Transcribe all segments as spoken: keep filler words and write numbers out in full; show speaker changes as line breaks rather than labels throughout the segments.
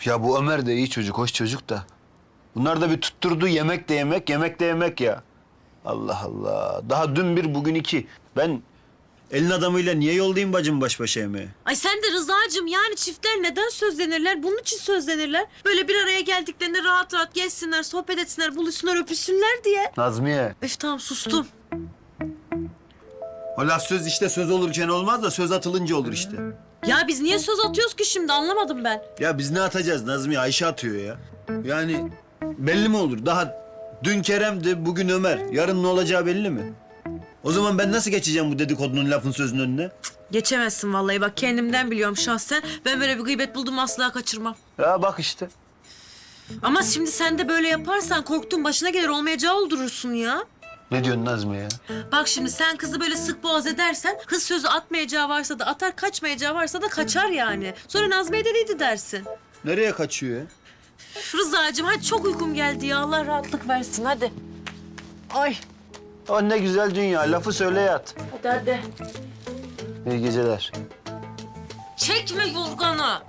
Ya bu Ömer de iyi çocuk, hoş çocuk da. Bunlar da bir tutturdu yemek de yemek, yemek de yemek ya. Allah Allah. Daha dün bir, bugün iki. Ben elin adamıyla niye yollayayım bacım baş başa yemeğe?
Ay sen de Rıza'cığım, yani çiftler neden sözlenirler? Bunun için sözlenirler. Böyle bir araya geldiklerinde rahat rahat gezsinler, sohbet etsinler, buluşsunlar, öpüşsünler diye.
Nazmiye.
Üf tamam, sustum.
O laf söz işte söz olurken olmaz da söz atılınca olur işte.
Ya biz niye söz atıyoruz ki şimdi, anlamadım ben.
Ya biz ne atacağız Nazmiye? Ayşe atıyor ya. Yani belli mi olur? Daha dün Kerem'di, bugün Ömer. Yarın ne olacağı belli mi? O zaman ben nasıl geçeceğim bu dedikodunun lafın sözün önüne?
Geçemezsin vallahi, bak kendimden biliyorum şahsen. Ben böyle bir gıybet buldum asla kaçırmam.
Ya bak işte.
Ama şimdi sen de böyle yaparsan korktuğun başına gelir, olmayacağı oldurursun ya.
Ne diyorsun Nazmiye ya?
Bak şimdi sen kızı böyle sık boğaz edersen, kız sözü atmayacağı varsa da atar, kaçmayacağı varsa da kaçar yani. Sonra Nazmiye dediydi dersin.
Nereye kaçıyor ya?
Üf, Rıza'cığım hadi, çok uykum geldi ya, Allah rahatlık versin hadi. Ay.
O ne güzel dünya. Lafı söyle yat.
Hadi hadi.
İyi geceler.
Çekme yorganı.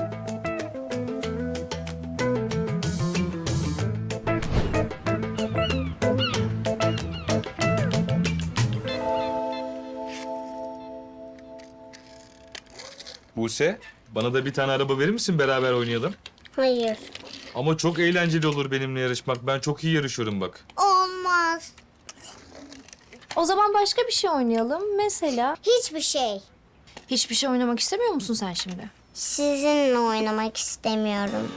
Buse, bana da bir tane araba verir misin, beraber oynayalım?
Hayır.
Ama çok eğlenceli olur benimle yarışmak. Ben çok iyi yarışıyorum bak.
Olmaz.
O zaman başka bir şey oynayalım. Mesela
Hiçbir şey.
hiçbir şey oynamak istemiyor musun sen şimdi?
Sizinle oynamak istemiyorum.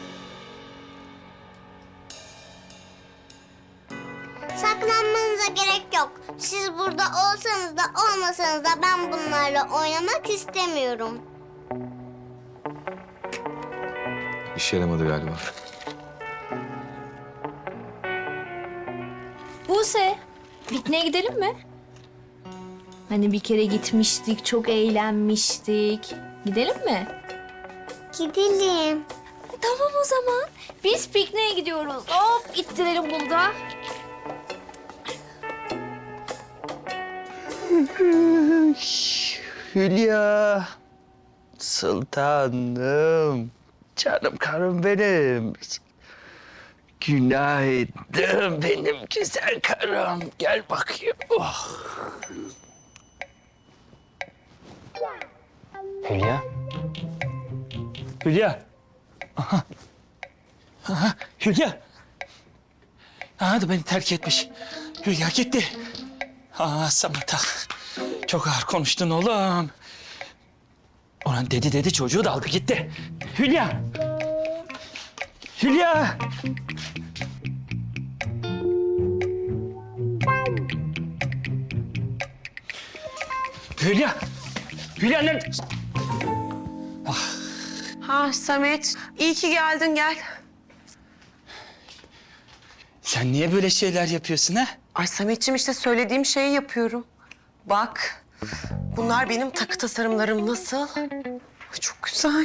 Saklanmanıza gerek yok. Siz burada olsanız da olmasanız da ben bunlarla oynamak istemiyorum.
İşe yaramadı galiba.
Buse, pikniğe gidelim mi? Hani bir kere gitmiştik, çok eğlenmiştik. Gidelim mi?
Gidelim.
Tamam o zaman. Biz pikniğe gidiyoruz. Hop, ittirelim burada.
Hülya. Sultanım. Canım karım benim. Günaydın benim güzel karım. Gel bakayım. Oh. Hülya. Hülya. Aha. Aha. Hülya. Aha da beni terk etmiş. Hülya gitti. Aa Samet'a. Çok ağır konuştun oğlum. Ulan dedi dedi çocuğu da aldı gitti. Hülya. Hülya. Hülya. Hülya ne?
Ha Samet, iyi ki geldin, gel.
Sen niye böyle şeyler yapıyorsun ha?
Ay Sametciğim, işte söylediğim şeyi yapıyorum. Bak, bunlar benim takı tasarımlarım, nasıl? Ay, çok güzel.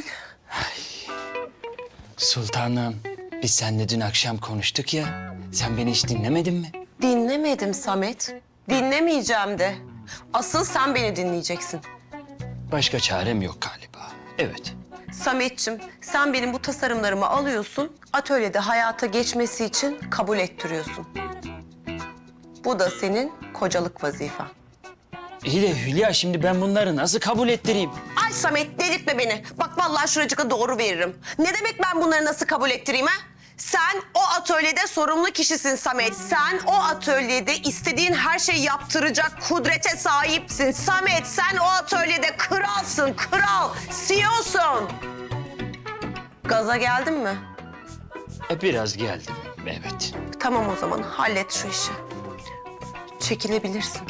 Sultanım, biz seninle dün akşam konuştuk ya. Sen beni hiç dinlemedin mi?
Dinlemedim Samet, dinlemeyeceğim de. Asıl sen beni dinleyeceksin.
Başka çarem yok galiba. Evet.
Sametciğim, sen benim bu tasarımlarımı alıyorsun, atölyede hayata geçmesi için kabul ettiriyorsun. Bu da senin kocalık vazifen.
İyi de Hülya, şimdi ben bunları nasıl kabul ettireyim?
Ay Samet, delirtme beni. Bak vallahi şuracıkta doğru veririm. Ne demek ben bunları nasıl kabul ettireyim ha? Sen o atölyede sorumlu kişisin Samet. Sen o atölyede istediğin her şeyi yaptıracak kudrete sahipsin. Samet, sen o atölyede kralsın, kral. C E O'sun. Gaza geldin mi?
E, biraz geldim, evet.
Tamam o zaman, hallet şu işi. Çekilebilirsin.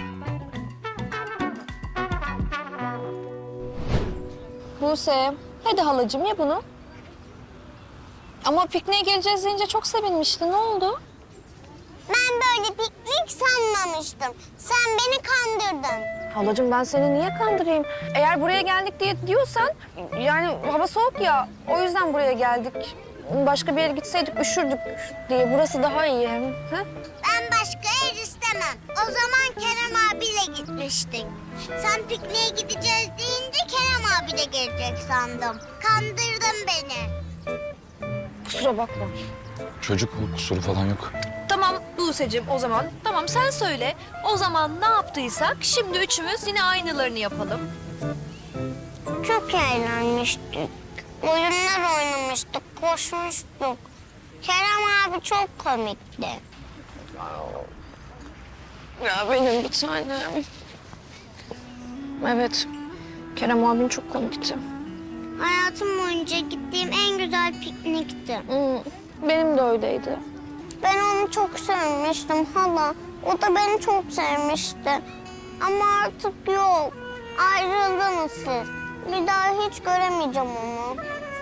Buse, hadi halacığım ya bunu. Ama pikniğe geleceğiz deyince çok sevinmişti. Ne oldu?
Ben böyle piknik sanmamıştım. Sen beni kandırdın.
Halacığım ben seni niye kandırayım? Eğer buraya geldik diye diyorsan, yani hava soğuk ya. O yüzden buraya geldik. Başka bir yere gitseydik üşürdük diye. Burası daha iyi. Ha?
Ben başka yer istemem. O zaman Kerem abiyle gitmiştik. Sen pikniğe gideceğiz deyince Kerem abi de gelecek sandım. Kandırdın beni.
kusura bakma.
Çocuk bu, kusuru falan yok.
Tamam Buse'cim o zaman. Tamam sen söyle. O zaman ne yaptıysak şimdi üçümüz yine aynılarını yapalım.
Çok eğlenmiştik. Oyunlar oynamıştık, koşmuştuk. Kerem abi çok komikti.
Ya benim bir tanem. Evet, Kerem abin çok komikti.
Hayatım boyunca gittiğim en güzel piknikti.
Hmm, benim de öyleydi.
Ben onu çok sevmiştim hala. O da beni çok sevmişti. Ama artık yok. Ayrıldınız siz. Bir daha hiç göremeyeceğim onu.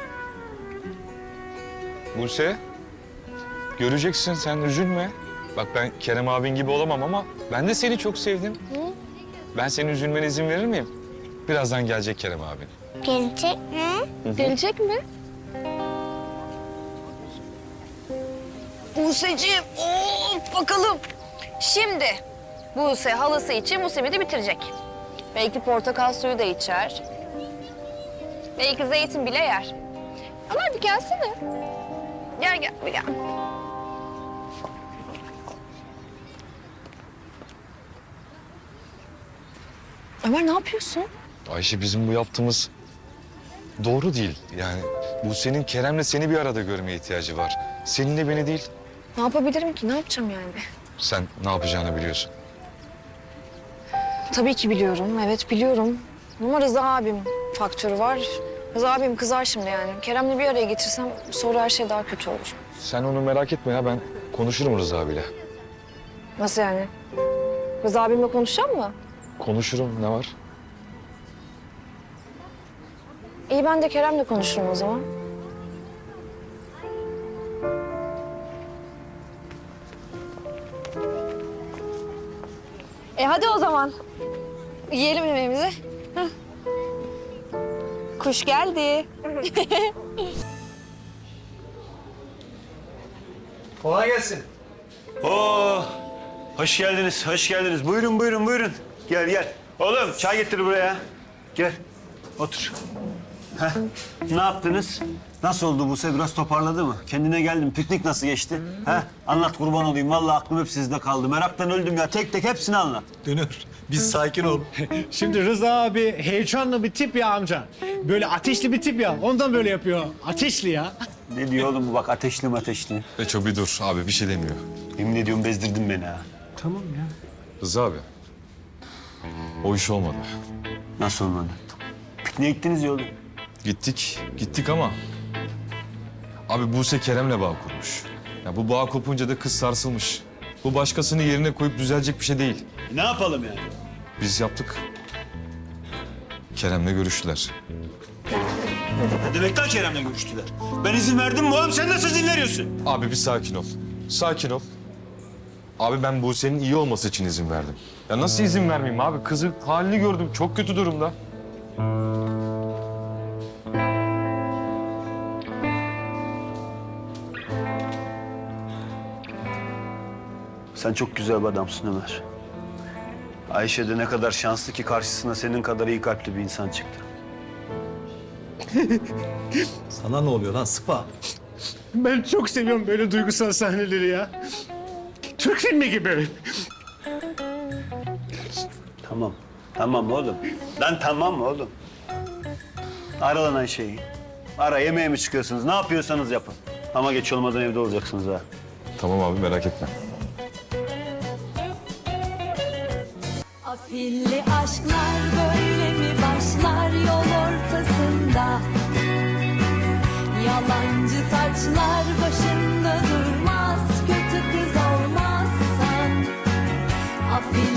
Buse, göreceksin sen üzülme. Bak ben Kerem abin gibi olamam ama ben de seni çok sevdim. Ben senin üzülmene izin verir miyim? Birazdan gelecek Kerem abin.
Gelecek mi?
Gelecek mi?
Buse'cim of bakalım.
Şimdi Buse halası için bu simidi bitirecek. Belki portakal suyu da içer. Belki zeytin bile yer. Ömer bir gelsene. Gel gel bir gel. Ömer ne yapıyorsun?
Ayşe bizim bu yaptığımız doğru değil. Yani Buse'nin Kerem'le seni bir arada görmeye ihtiyacı var. Seninle beni değil.
Ne yapabilirim ki? Ne yapacağım yani?
Sen ne yapacağını biliyorsun.
Tabii ki biliyorum. Evet biliyorum. Ama Rıza abim faktörü var. Rıza abim kızar şimdi yani. Kerem'le bir araya getirsem sonra her şey daha kötü olur.
Sen onu merak etme ya, ben konuşurum Rıza abiyle.
Nasıl yani? Rıza abimle konuşacağım mı?
Konuşurum, ne var?
İyi ben de Kerem'le konuşurum o zaman. E hadi o zaman. Yiyelim yemeğimizi. Hah. Kuş geldi.
Kolay gelsin. Oo, hoş geldiniz, hoş geldiniz. Buyurun, buyurun, buyurun. Gel, gel. Oğlum, çay getir buraya. Gel, otur. Heh, ne yaptınız? Nasıl oldu Buse? Biraz toparladı mı? Kendine geldin. Piknik nasıl geçti? Heh, anlat kurban olayım. Vallahi aklım hep sizde kaldı. Meraktan öldüm ya. Tek tek hepsini anlat.
Dönür. Biz sakin ol. Şimdi Rıza abi heyecanlı bir tip ya amca. Böyle ateşli bir tip ya. Ondan böyle yapıyor. Ateşli ya.
Ne diyor oğlum bu bak ateşli mi ateşli?
Beço bir dur abi, bir şey demiyor.
Yemin ediyorum bezdirdin beni ha.
Tamam ya.
Rıza abi, o iş olmadı.
Nasıl olmadı? Pikniğe gittiniz ya oğlum.
Gittik, gittik ama... Abi Buse Kerem'le bağ kurmuş. Ya bu bağ kopunca da kız sarsılmış. Bu başkasını yerine koyup düzelecek bir şey değil.
E, ne yapalım yani?
Biz yaptık. Kerem'le görüştüler.
Ne demek lan Kerem'le görüştüler? Ben izin verdim mi oğlum? Sen nasıl izin veriyorsun?
Abi bir sakin ol. Sakin ol. Abi ben Buse'nin iyi olması için izin verdim. Ya nasıl izin vermeyeyim abi? Kızın halini gördüm. Çok kötü durumda.
Sen çok güzel bir adamsın Ömer. Ayşe de ne kadar şanslı ki karşısına senin kadar iyi kalpli bir insan çıktı.
Sana ne oluyor lan sıpa? Ben çok seviyorum böyle duygusal sahneleri ya. Türk filmi gibi.
Tamam. Tamam oğlum. Lan tamam oğlum. Ara lan Ayşe'yi. Ara, yemeğe mi çıkıyorsunuz? Ne yapıyorsanız yapın. Ama geç olmadan evde olacaksınız ha.
Tamam abi, merak etme.
Afilli aşklar böyle mi başlar yol ortasında? Yalancı taçlar başında durmaz, kötü kız olmazsan. Afilli